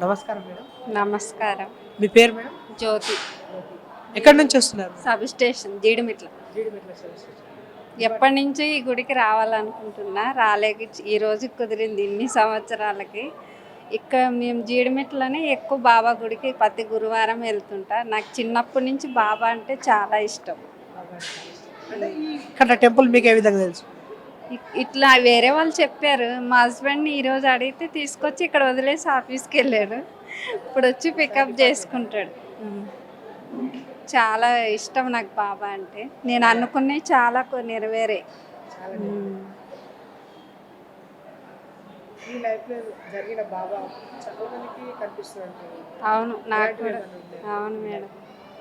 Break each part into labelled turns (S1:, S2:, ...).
S1: నమస్కారం మేడం.
S2: నమస్కారం.
S1: మీ పేరు మేడం?
S2: జ్యోతి.
S1: ఎక్కడి నుంచి వస్తున్నారు?
S2: Sub station Jeedimitla. ఎప్పటి నుంచి ఈ గుడికి రావాలనుకుంటున్నా, రాలేక ఈ రోజు కుదిరింది. ఇన్ని సంవత్సరాలకి ఇక్కడ మేము జీడిమిట్లని ఎక్కువ బాబా గుడికి ప్రతి గురువారం వెళ్తుంటా. నాకు చిన్నప్పటి నుంచి బాబా అంటే చాలా ఇష్టం.
S1: అంటే ఇక్కడ టెంపుల్ మీకు ఏ విధంగా తెలుసు?
S2: ఇట్లా వేరే వాళ్ళు చెప్పారు. మా హస్బెండ్ని ఈరోజు అడిగితే తీసుకొచ్చి ఇక్కడ వదిలేసి ఆఫీస్కి వెళ్ళాడు. ఇప్పుడు వచ్చి పికప్ చేసుకుంటాడు. చాలా ఇష్టం నాకు బాబా అంటే. నేను అనుకున్నవి చాలా నెరవేరే. అవును, నాకు కూడా. అవును మేడం.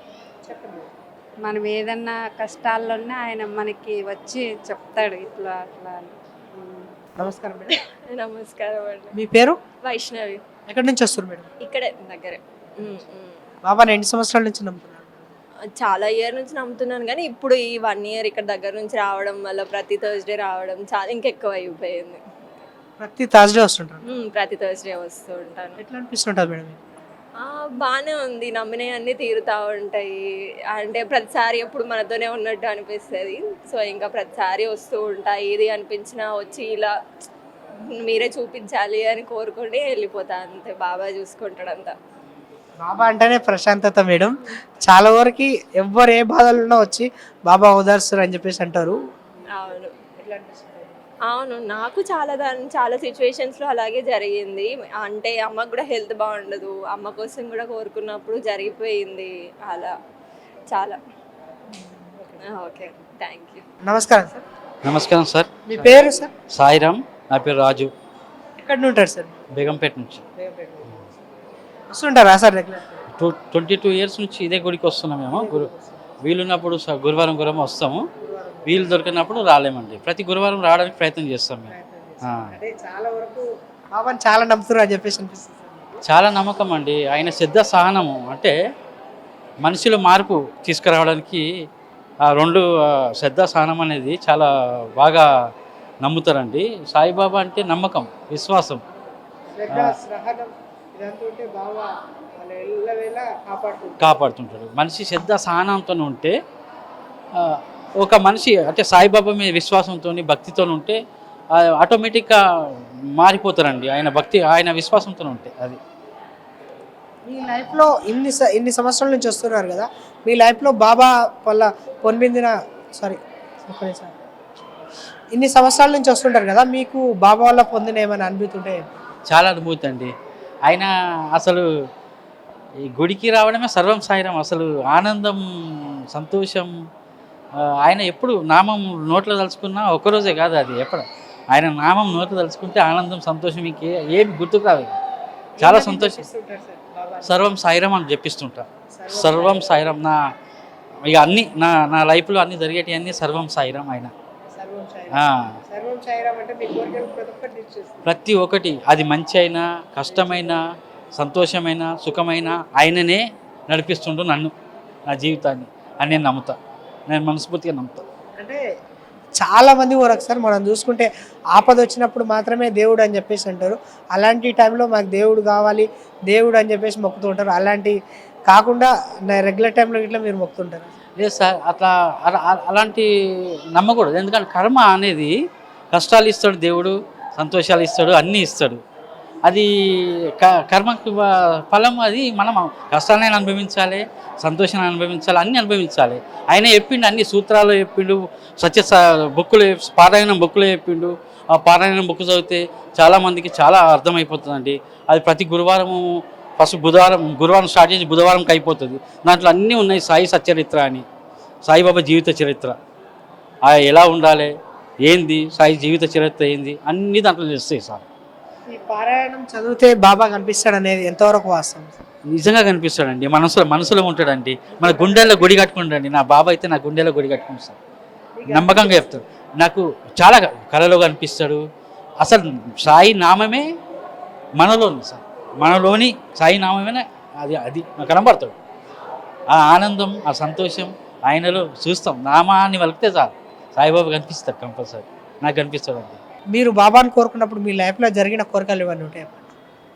S2: మనం ఏదన్నా కష్టాల్లో ఉన్నా ఆయన మనకి వచ్చి చెప్తాడు ఇట్లా అట్లా అని.
S1: నమస్కారం మేడం.
S3: నమస్కారం అండి.
S1: మీ పేరు?
S3: వైష్ణవి.
S1: ఎక్కడి నుంచి వస్తారు మేడం?
S3: ఇక్కడే దగ్గరే.
S1: బాబాని ఎన్ని సంవత్సరాల నుంచి నమ్ముతున్నారు?
S3: చాలా ఇయర్ నుంచి నమ్ముతున్నాను, కానీ ఇప్పుడు ఈ 1 year ఇక్కడ దగ్గర నుంచి రావడం వల్ల ప్రతి థర్స్డే రావడం చాలా ఇంకెక్కువ అయిపోయింది.
S1: ప్రతి థర్స్డే వస్తుంటారు?
S3: ప్రతి థర్స్డే వస్తూ ఉంటాను.
S1: ఎట్లా అనిపిస్తుంటుంది మేడం?
S3: బాగానే ఉంది. నమ్మినవి అన్నీ తీరుతూ ఉంటాయి. అంటే ప్రతిసారి ఎప్పుడు మనతోనే ఉన్నట్టు అనిపిస్తుంది. సో ఇంకా ప్రతిసారి వస్తూ ఉంటాయి. ఇది అనిపించినా వచ్చి ఇలా మీరే చూపించాలి అని కోరుకుంటే వెళ్ళిపోతా, అంతే. బాబా చూసుకుంటాడంతా.
S1: బాబా అంటేనే ప్రశాంతత మేడం. చాలా వరకు ఎవ్వరు ఏ బాధలు ఉన్నా వచ్చి బాబా ఓదార్స్తారు అని చెప్పేసి అంటారు.
S3: అవును, అవును. నాకు చాలా సిచ్యువేషన్స్లో అలాగే జరిగింది. అంటే అమ్మకు కూడా హెల్త్ బాగుండదు, అమ్మ కోసం కూడా కోరుకున్నప్పుడు జరిగిపోయింది అలా చాలా. Okay, thank you.
S1: నమస్కారం సార్.
S4: నమస్కారం సార్.
S1: మీ పేరు సార్?
S4: సాయిరామ్. నా పేరు రాజు.
S1: ఎక్కడి నుండి ఉంటారు సార్?
S4: బేగంపేట నుంచి.
S1: వస్తుంటారా సార్ రెగ్యులర్?
S4: 22 years నుంచి ఇదే గుడికి వస్తున్నాం మేము. వీలున్నప్పుడు గురువారం వస్తాము, వీలు దొరికినప్పుడు రాలేమండి. ప్రతి గురువారం రావడానికి ప్రయత్నం చేస్తాం మేము.
S1: చాలా వరకు బాబాని చాలా నమ్ముతున్నారు అని చెప్పేసి అనిపిస్తుంది.
S4: చాలా నమ్మకం అండి. ఆయన శ్రద్ధ సహనము అంటే మనిషిలో మార్పు తీసుకురావడానికి ఆ 2 శ్రద్ధ సహనం అనేది చాలా బాగా నమ్ముతారండి. సాయిబాబా అంటే నమ్మకం, విశ్వాసం. కాపాడుతుంటాడు. మనిషి శ్రద్ధ సహనంతో ఉంటే, ఒక మనిషి అంటే సాయిబాబా మీద విశ్వాసంతో భక్తితో ఉంటే ఆటోమేటిక్గా మారిపోతారండి. ఆయన భక్తి ఆయన విశ్వాసంతో ఉంటే. అది
S1: మీ లైఫ్లో ఇన్ని సంవత్సరాల నుంచి వస్తున్నారు కదా, మీ లైఫ్లో బాబా వల్ల పొందిన ఇన్ని సంవత్సరాల నుంచి వస్తుంటారు కదా, మీకు బాబా వల్ల పొందిన ఏమైనా అనుభూతుంటే?
S4: చాలా అనుభూతి అండి. ఆయన అసలు ఈ గుడికి రావడమే సర్వం సాయిరం. అసలు ఆనందం, సంతోషం. ఆయన ఎప్పుడు నామం నోట్లో తలుచుకున్నా ఒక్కరోజే కాదు, అది ఎప్పుడు ఆయన నామం నోట్లో తలుచుకుంటే ఆనందం, సంతోషం ఏమి గుర్తుకు రాదు. చాలా సంతోషం. సర్వం సాయిరం అని చెప్పిస్తుంటా. సర్వం సాయిరం. ఇక అన్నీ నా లైఫ్లో అన్నీ జరిగేటి అన్నీ సర్వం సాయిరం. ఆయన ప్రతి ఒక్కటి, అది మంచి అయినా కష్టమైన సంతోషమైన సుఖమైన ఆయననే నడిపిస్తుంటూ నన్ను, నా జీవితాన్ని అని నేను నమ్ముతా. నేను మనస్ఫూర్తిగా నమ్ముతా.
S1: అంటే చాలామంది ఒకసారి మనం చూసుకుంటే ఆపద వచ్చినప్పుడు మాత్రమే దేవుడు అని చెప్పేసి అంటారు. అలాంటి టైంలో మాకు దేవుడు కావాలి, దేవుడు అని చెప్పేసి మొక్కుతూ ఉంటారు. అలాంటి కాకుండా రెగ్యులర్ టైంలో ఇట్లా మీరు మొక్కుతుంటారు?
S4: లేదు సార్, అలాంటి నమ్మకూడదు. ఎందుకంటే కర్మ అనేది కష్టాలు ఇస్తాడు దేవుడు, సంతోషాలు ఇస్తాడు, అన్నీ ఇస్తాడు. అది కర్మకి ఫలం. అది మనం కష్టాలను అనుభవించాలి, సంతోషాన్ని అనుభవించాలి, అన్నీ అనుభవించాలి. ఆయన చెప్పిండు, అన్ని సూత్రాలు చెప్పిండు, బుక్కులు పారాయణం బుక్కులు చెప్పిండు. ఆ పారాయణం బుక్ చదివితే చాలామందికి చాలా అర్థమైపోతుందండి. అది ప్రతి గురువారము ఫస్ట్ గురువారం స్టార్ట్ చేసి బుధవారంకి అయిపోతుంది. దాంట్లో అన్నీ ఉన్నాయి. సాయి సచ్చరిత్ర అని, సాయిబాబా జీవిత చరిత్ర, ఎలా ఉండాలి, ఏంది సాయి జీవిత చరిత్ర ఏంది, అన్నీ దాంట్లో తెలుస్తాయి సార్.
S1: ఈ పారాయణం చదివితే బాబా కనిపిస్తాడు అనేది ఎంతవరకు వాస్తవం?
S4: నిజంగా కనిపిస్తాడండి. మనసులో ఉంటాడండి. మన గుండెల్లో గుడి కట్టుకుంటాడండి. నా బాబా అయితే నా గుండెల్లో గుడి కట్టుకుంటాడు. నమ్మకంగా చెప్తాడు. నాకు చాలా కళలో కనిపిస్తాడు. అసలు సాయి నామమే మనలోని సార్, మనలోని సాయి నామమే అది నాకు కనబడతాడు. ఆ ఆనందం, ఆ సంతోషం ఆయనలో చూస్తాం. నామాన్ని వలికితే చాలు సాయిబాబా కనిపిస్తాడు. కంపల్సరీ నాకు కనిపిస్తాడు అండి.
S1: మీరు బాబాని కోరుకున్నప్పుడు మీ లైఫ్లో జరిగిన కోరికలు ఇవన్నీ ఉంటాయి?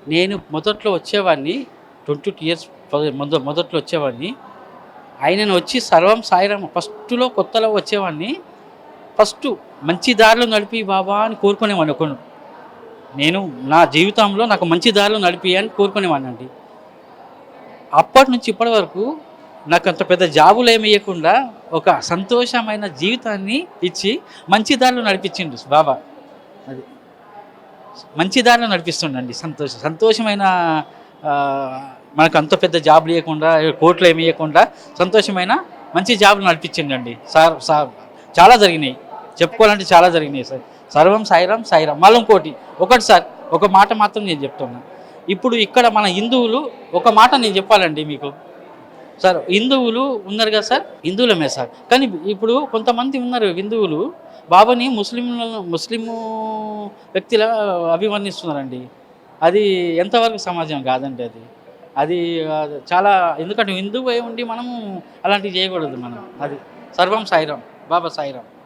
S4: నేను మొదట్లో వచ్చేవాడిని 22 ఇయర్స్ మొదట్లో వచ్చేవాడిని. ఆయనను వచ్చి సర్వం సాయిరాం ఫస్ట్లో కొత్తలో వచ్చేవాడిని. ఫస్ట్ మంచి దారిలో నడిపి బాబా అని కోరుకునేవాడిని ఒకను. నేను నా జీవితంలో నాకు మంచి దారిలో నడిపి అని కోరుకునేవాడిని అండి. అప్పటి నుంచి ఇప్పటి వరకు నాకు అంత పెద్ద జాబులు ఏమి ఇవ్వకుండా ఒక సంతోషమైన జీవితాన్ని ఇచ్చి మంచి దారిలో నడిపించిండు బాబా. అది మంచి దారిలో నడిపిస్తుండండి. సంతోషమైన మనకు అంత పెద్ద జాబులు ఇవ్వకుండా కోట్లు ఏమి ఇవ్వకుండా సంతోషమైన మంచి జాబులు నడిపించిండండి సార్. చాలా జరిగినాయి, చెప్పుకోవాలంటే చాలా జరిగినాయి సార్. సర్వం సాయిరాం సాయిరాం. మళ్ళీ ఒకటి సార్, ఒక మాట మాత్రం నేను చెప్తున్నా. ఇప్పుడు ఇక్కడ మన హిందువులు ఒక మాట నేను చెప్పాలండి మీకు సార్. హిందువులు ఉన్నారు కదా సార్, హిందువులమే సార్. కానీ ఇప్పుడు కొంతమంది ఉన్నారు హిందువులు బాబాని ముస్లిము వ్యక్తుల అభివర్ణిస్తున్నారండి. అది ఎంతవరకు సమాజం కాదండి అది. అది చాలా, ఎందుకంటే హిందువు అయి ఉండి మనము అలాంటివి చేయకూడదు మనం. అది సర్వం సాయిరాం, బాబా సాయిరాం.